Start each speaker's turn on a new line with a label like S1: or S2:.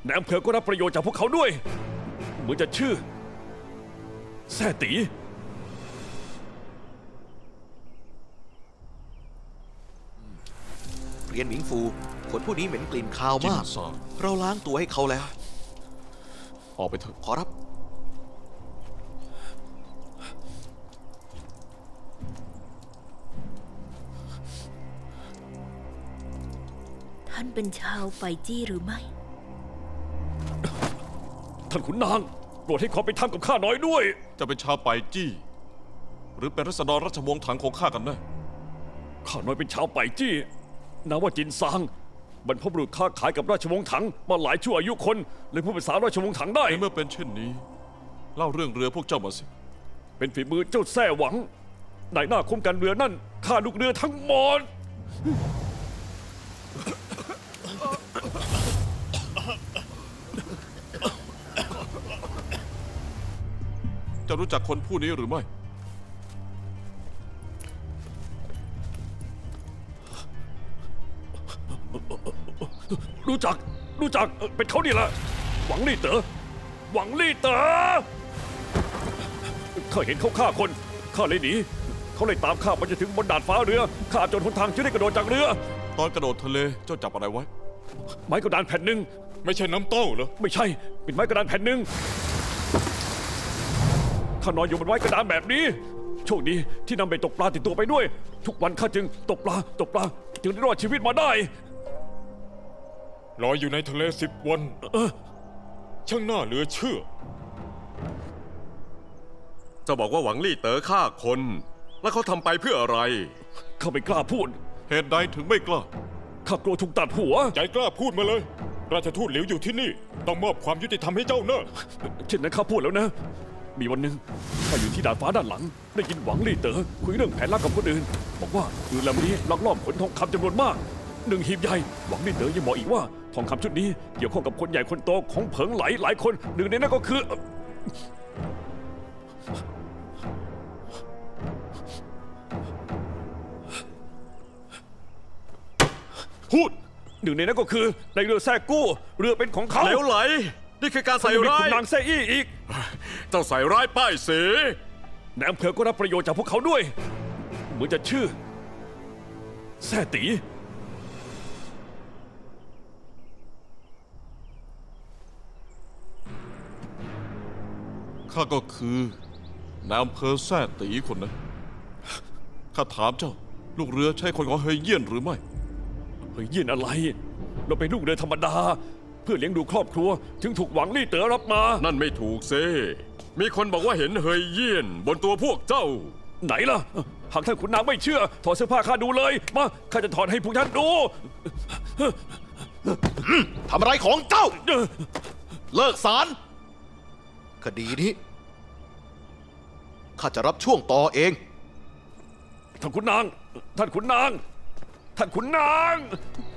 S1: นายอำเภอก็รับประโยชน์จากพวกเขาด้วยเหมือนจะชื่อแซ่ตี
S2: เรียนหมิงฟูคนผู้นี้เหม็นกลิ่นคาวมาก เราล้างตัวให้เขาแล้ว
S3: ออกไปเถอะ
S2: ขอรับ
S4: ท่านเป็นชาวไปจี้หรือไม่
S1: ท่านขุนนางโปรดให้ความเป็นธรรมกับข้าน้อยด้วย
S3: จะเป็นชาวไปจี้ หรือเป็นรัษฎรราชวงศ์ถังของข้ากันแน่
S1: ข้าน้อยเป็นชาวไปจี้นามว่าจินซางบรรพบุรุษค้าขายกับราชวงศ์ถังมาหลายชั่วอายุคนเลยพูดภาษาราชวงศ์ถังได้
S3: ในเมื่อเป็นเช่นนี้ เล่าเรื่องเรือพวกเจ้ามาสิ
S1: เป็นฝีมือเจ้าแซ่หวังนายหน้าคุ้มกันเรือนั่นฆ่าลูกเรือทั้งหมด
S3: เจ้ารู้จักคนผู้นี้หรือไม่
S1: รู้จักเป็นเขานี่แหละหวังลี่เต๋อหวังลี่เต๋อข้าเห็นเขาฆ่าคนข้าเลยหนีเขาเลยตามข้าไปจนถึงบนดาดฟ้าเรือข้าจนหนทางจะได้กระโดดจากเรือ
S3: ตอนกระโดดทะเลเจ้าจับอะไรไว้
S1: ไม้กระดานแผ่นหนึ่ง
S5: ไม่ใช่น้ำเต้าเหรอ
S1: ไม่ใช่เป็นไม้กระดานแผ่นหนึ่งข้านอนอยู่บนไม้กระดานแบบนี้โชคดีที่นำเบ็ดตกปลาติดตัวไปด้วย ทุกวันข้าจึงตกปลาจึงได้รอดชีวิตมาได้
S5: ลอยอยู่ในทะเล10 วันช่างน่าเหลือเชื่อ
S6: จะบอกว่าหวังลี่เต๋อฆ่าคน แล้วเขาทำไปเพื่ออะไร
S1: ข้าไม่กล้าพูด
S3: เหตุใดถึงไม่กล้า
S1: ข้ากลัวถูกตัดหัว
S5: ใจกล้าพูดมาเลย ราชทูตหลิวอยู่ที่นี่ ต้องมอบความยุติธรรมให้เจ้าเนอะ
S1: เช่นนั้นข้าพูดแล้วนะ มีวันหนึ่งข้าอยู่ที่ดาดฟ้าด้านหลัง ได้ยินหวังลี่เต๋อคุยเรื่องแผนลับกับคนอื่น บอกว่าเรือลำนี้ลักลอบขนทองคำจำนวนมาก1 หีบใหญ่หวังลี่เต๋อยังบอกอีกว่าทองคำชุดนี้เกี่ยวข้องกับคนใหญ่คนโตของเผิงไหลหลายคนหนึ่งในนั้นก็คือพูดหนึ่งในนั้นก็คือในเรือแซ่กู้เรือเป็นของเขา
S6: เหลวไหล นี่คือการใส่
S1: ยังมี
S6: ร้า
S1: ขุ
S6: ย
S1: นนางแซ่อี้อีก
S6: เจ้าใส่ร้ายป้ายสี
S1: นายอำเภอก็รับประโยชน์จากพวกเขาด้วยเหมือนจะชื่อแซ่ตี
S3: ข้าก็คือนายอำเภอแซ่ตีคนนั้นข้าถามเจ้า ลูกเรือใช่คนของเฮยเยี่ยนหรือไม่
S1: เฮ้ยเยี่ยนอะไร เราเป็นลูกเรือธรรมดา เพื่อเลี้ยงดูครอบครัว จึงถูกหวังลี่เต๋อรับมา
S6: นั่นไม่ถูกเซมีคนบอกว่าเห็นเฮยเยี่ยน บนตัวพวกเจ้า
S1: ไหนล่ะ หากท่านขุนนางไม่เชื่อ ถอดเสื้อผ้าข้าดูเลย มาข้าจะถอดให้พวกท่านดู
S2: ทำอะไรของเจ้า เลิกสาร คดีนี้ ข้าจะรับช่วงต่อเอง
S1: ท่านขุนนาง ท่านขุนนาง ท่านขุนนาง